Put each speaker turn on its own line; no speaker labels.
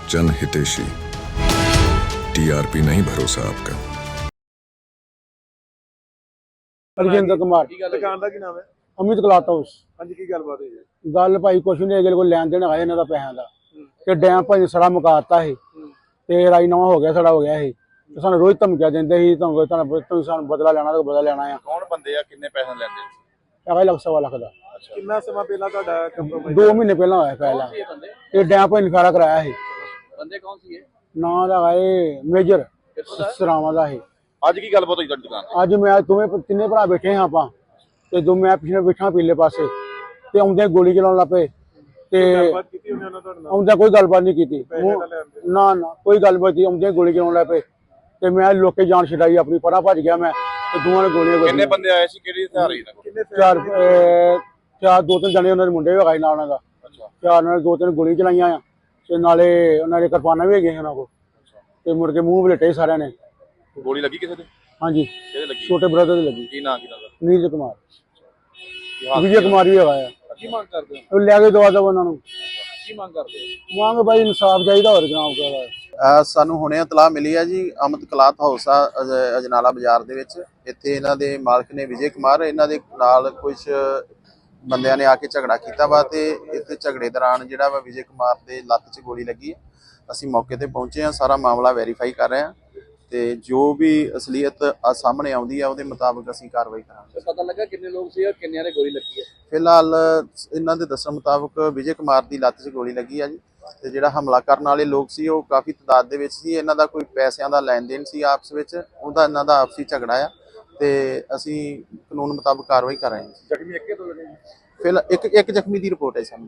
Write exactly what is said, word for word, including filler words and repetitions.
जन हितेशी, टीआरपी नहीं भरोसा आपका।
ਰਜਿੰਦਰ ਕੁਮਾਰ
ਦੁਕਾਨ ਦਾ ਕੀ ਨਾਮ ਹੈ?
Amit cloth house.
ਹਾਂਜੀ, ਕੀ ਗੱਲਬਾਤ ਹੋਈ ਹੈ?
ਗੱਲ ਭਾਈ ਕੁਛ ਨਹੀਂ, ਅਗਲੇ ਕੋਲ ਲੈਣ ਦੇਣ ਆਏ ਇਹਨਾਂ ਦਾ ਪੈਸਿਆਂ ਦਾ ਤੇ ਡੈਮ ਭਾਈ ਸੜਾ ਮੁਕਾਤਾ ਸੀ ਤੇ ਰਾਈ ਨਵਾਂ ਹੋ ਗਿਆ, ਸੜਾ ਹੋ ਗਿਆ ਸੀ ਤੇ ਸਾਨੂੰ ਰੋਜ਼ ਧਮਕੀਆਂ ਦਿੰਦੇ ਸੀ, ਤੁਹਾਨੂੰ ਤੁਹਾਨੂੰ ਤੁਸੀਂ ਸਾਨੂੰ ਬਦਲਾ ਲੈਣਾ ਤਾਂ ਬਦਲਾ ਲੈਣਾ ਆ।
ਕੌਣ ਬੰਦੇ ਆ, ਕਿੰਨੇ ਪੈਸੇ ਲੈਂਦੇ?
ਹੈਗਾ ਲੱਖ ਸਵਾ ਲੱਖ ਦਾ।
ਕਿੰਨਾ ਸਮਾਂ ਪਹਿਲਾਂ ਤੁਹਾਡਾ ਕੰਪਰੋਮਾਈਜ਼?
ਦੋ ਮਹੀਨੇ ਪਹਿਲਾਂ ਹੋਇਆ ਪਹਿਲਾਂ ਇਹ ਡੈਮ ਭਾਈ ਨੇ ਖੜਾ ਕਰਾਇਆ ਸੀ।
ਬੰਦੇ ਕੌਣ ਸੀ ਇਹ?
ਨਾਂ ਦਾ ਇਹ ਮੇਜਰ ਸਰਾਵਾਂ ਦਾ ਸੀ।
ਅੱਜ ਕੀ ਗੱਲਬਾਤ ਹੋਈ ਤੁਹਾਡੀ ਦੁਕਾਨ ਤੇ?
ਅੱਜ ਮੈਂ ਦੋਵੇਂ ਤਿੰਨੇ ਭਰਾ ਬੈਠੇ ਹਾਂ ਆਪਾਂ ਤੇ ਦੋ ਮੈਂ ਪਿੱਛੇ ਬੈਠਾ ਪੀਲੇ ਪਾਸੇ ਤੇ ਆਉਂਦੇ ਗੋਲੀ ਚਲਾਉਣ ਲੱਗ ਪਏ ਤੇ
ਗੱਲਬਾਤ ਕੀਤੀ ਉਹਨੇ ਉਹਨਾਂ ਤੁਹਾਡੇ ਨਾਲ?
ਆਉਂਦਾ ਕੋਈ ਗੱਲਬਾਤ ਨਹੀਂ ਕੀਤੀ,
ਪੈਸੇ ਤਾਂ ਲੈਂਦੇ?
ਨਾ ਨਾ ਕੋਈ ਗੱਲਬਾਤ ਨਹੀਂ। ਆਉਂਦੇ ਗੋਲੀ ਚਲਾਉਣ ਲੱਗ ਪਏ ਤੇ ਮੈਂ ਲੋਕੇ ਜਾਨ ਛਡਾਈ ਆਪਣੀ, ਪਰਾਂ ਭੱਜ ਗਿਆ ਮੈਂ ਤੇ ਦੋਵਾਂ ਨੇ ਗੋਲੀਆਂ
ਕਿੰਨੇ
ਵੱਜੀਆਂ।
ਬੰਦੇ ਆਏ ਸੀ, ਕਿਹੜੀ ਹਥਿਆਰ ਸੀ ਇਹਨਾਂ ਕੋਲ?
ਕਿੰਨੇ
ਚਾਰ ਅਹ, ਚਾਰ ਦੋ ਤਿੰਨ ਜਣੇ ਉਹਨਾਂ ਦੇ ਮੁੰਡੇ ਵੀ ਹੈਗੇ ਨਾਲ ਉਹਨਾਂ ਦਾ।
ਅੱਛਾ,
ਚਾਰ ਨਾਲ ਦੋ ਤਿੰਨ ਗੋਲੀ ਚਲਾਈਆਂ ਆ ਤੇ ਨਾਲੇ ਉਹਨਾਂ ਦੇ ਕਿਰਪਾਨਾਂ ਵੀ ਹੈਗੀਆਂ ਉਹਨਾਂ ਕੋਲ ਤੇ ਮੁੜ ਕੇ ਮੂੰਹ ਵਲੇਟੇ ਸਾਰਿਆਂ ਨੇ।
ਗੋਲੀ ਲੱਗੀ ਕਿਸੇ ਦੇ?
ਹਾਂਜੀ,
ਕਿਹਦੇ ਲੱਗੀ?
ਛੋਟੇ ਬ੍ਰਦਰ ਦੇ ਲੱਗੀ।
ਕੀ ਨਾਂ ਕੀ ਨਾਮ ਦਾ?
ਨੀਰਜ ਕੁਮਾਰ,
ਕੀ ਹਾਲ
ਵਿਜੇ ਕੁਮਾਰ ਵੀ ਹੈਗਾ ਆ।
ਕੀ ਮੰਗ ਕਰਦੇ ਹੋ?
ਉਹ ਲੈ ਕੇ ਦਵਾ ਦਵਾ ਉਹਨਾਂ ਨੂੰ।
ਕੀ ਮੰਗ ਕਰਦੇ ਹੋ?
ਮੰਗ ਬਾਈ ਇਨਸਾਫ ਚਾਹੀਦਾ, ਹੋਰ ਜਨਾਬ ਕਹਦਾ।
ਅ ਸਾਨੂੰ ਹੁਣੇ ਇਤਲਾਹ ਮਿਲੀ ਹੈ ਜੀ, ਅਮਿਤ ਕਲਾਥ ਹਾਊਸ ਆ ਅਜ- ਅਜਨਾਲਾ ਬਾਜ਼ਾਰ ਦੇ ਵਿੱਚ। ਇੱਥੇ ਇਹਨਾਂ ਦੇ ਮਾਲਕ ਨੇ ਵਿਜੇ ਕੁਮਾਰ, ਇਹਨਾਂ ਦੇ ਨਾਲ ਕੁਝ ਬੰਦਿਆਂ ਨੇ ਆ ਕੇ ਝਗੜਾ ਕੀਤਾ ਵਾ ਤੇ ਇੱਥੇ ਝਗੜੇ ਦੌਰਾਨ ਜਿਹੜਾ ਵਾ ਵਿਜੇ ਕੁਮਾਰ ਦੇ ਲੱਤ 'ਚ ਗੋਲੀ ਲੱਗੀ ਹੈ। ਅਸੀਂ ਮੌਕੇ ਤੇ ਪਹੁੰਚੇ ਹਾਂ, ਸਾਰਾ ਮਾਮਲਾ ਵੈਰੀਫਾਈ ਕਰ ਰਹੇ ਹਾਂ ਤੇ ਜੋ ਵੀ ਅਸਲੀਅਤ ਆ ਸਾਹਮਣੇ ਆਉਂਦੀ ਆ ਉਹਦੇ ਮੁਤਾਬਕ ਅਸੀਂ ਕਾਰਵਾਈ ਕਰਾਂਗੇ।
ਪਤਾ ਲੱਗਾ ਕਿੰਨੇ ਲੋਕ ਸੀ ਔਰ ਕਿੰਨਿਆਂ ਦੇ ਗੋਲੀ ਲੱਗੀ ਹੈ?
ਫਿਲਹਾਲ ਇਹਨਾਂ ਦੇ ਦੱਸਣ ਮੁਤਾਬਕ ਵਿਜੇ ਕੁਮਾਰ ਦੀ ਲੱਤ 'ਚ ਗੋਲੀ ਲੱਗੀ ਆ ਜੀ ਤੇ ਜਿਹੜਾ ਹਮਲਾ ਕਰਨ ਵਾਲੇ ਲੋਕ ਸੀ ਉਹ ਕਾਫੀ ਤਾਦਾਦ ਦੇ ਵਿੱਚ ਸੀ। ਇਹਨਾਂ ਦਾ ਕੋਈ ਪੈਸਿਆਂ ਦਾ ਲੈਣ ਦੇਣ ਸੀ ਆਪਸ ਵਿੱਚ, ਉਹਦਾ ਇਹਨਾਂ ਦਾ ਆਪਸੀ ਝਗੜਾ ਆ ਤੇ ਅਸੀਂ ਕਾਨੂੰਨ ਮੁਤਾਬਕ ਕਾਰਵਾਈ ਕਰ ਰਹੇ ਹਾਂ।
ਜ਼ਖਮੀ ਇੱਕੇ ਤੋਂ ਲੱਗੇ?
ਫਿਲਹਾਲ ਇੱਕ ਇੱਕ ਜ਼ਖਮੀ ਦੀ ਰਿਪੋਰਟ ਹੈ ਸਾਨੂੰ।